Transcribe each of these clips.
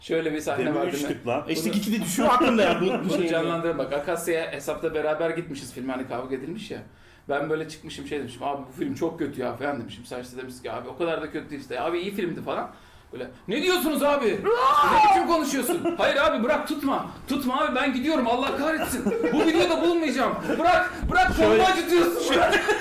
Şöyle bir sahne var değil mi? Demiştik lan. İşte iki de düşüyor aklımda ya bu Bunu şey. canlandırın bak. Akasya'ya hesapta beraber gitmişiz, film hani kavga edilmiş ya. Ben böyle çıkmışım şey demişim, abi bu film çok kötü ya falan demişim. Sen işte demiş ki abi o kadar da kötü değil işte. Abi iyi filmdi falan. Böyle ne diyorsunuz abi? Ne biçim konuşuyorsun? Hayır abi bırak, tutma. Tutma abi, ben gidiyorum, Allah kahretsin. Bu videoda bulunmayacağım. Bırak kolumu acıtıyorsun.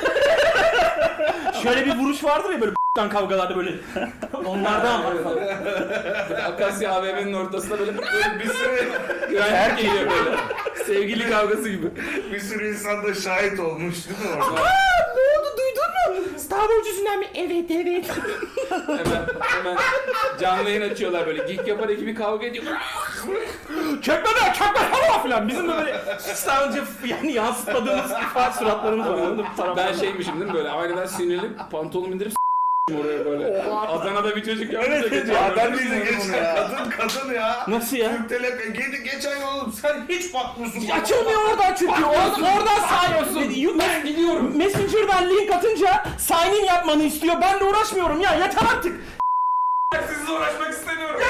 Şöyle bir vuruş vardır ya böyle kavgalarda böyle. Onlardan var falan. Akasya AVM'nin ortasında böyle bir sürü güvenlik geliyor böyle. Sevgili kavgası gibi. Bir sürü insan da şahit olmuş değil mi orada? Ne oldu, duydun mu? Star Wars yüzünden mi? Evet. Hemen canlı yayın açıyorlar böyle. Geek Yapar ekibi kavga ediyor. Çökme falan. Bizim de böyle sadece yani yansıtmadığımız ifade suratlarımız var. Anladın mı? Ben şeymişim değil mi böyle aynadan sinirlenip pantolonumu indirip oraya böyle. Adana'da bir çocuk yapınca Evet, geçiyor. Ya ben de geçtim. Kadın ya. Nasıl ya? Türk Telekom. Geçen oğlum sen hiç bakmıyorsun. Açılmıyor oradan çünkü. Oradan sign Gidiyorum. Messenger'dan link atınca sign in yapmanı istiyor. Ben de uğraşmıyorum ya. Yeter artık. Sizle uğraşmak istemiyorum.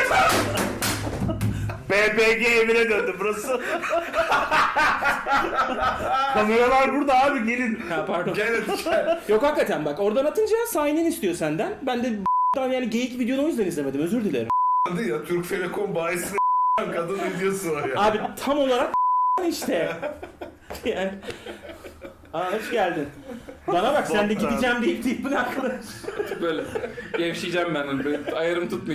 BBG evine döndü burası. Kameralar burada abi, gelin. Ha pardon. Gel. Yok hakikaten bak, oradan atınca sign in istiyor senden. Ben de yani geyik videonu o yüzden izlemedim, özür dilerim. Ya Türk Telekom bayisine kadın videosu var ya. Abi tam olarak işte. Yani. Hoş geldin. Bana bak, sen de gideceğim deyip bu ne arkadaş? Böyle gevşeyeceğim ben. Böyle ayarım tutmayacak.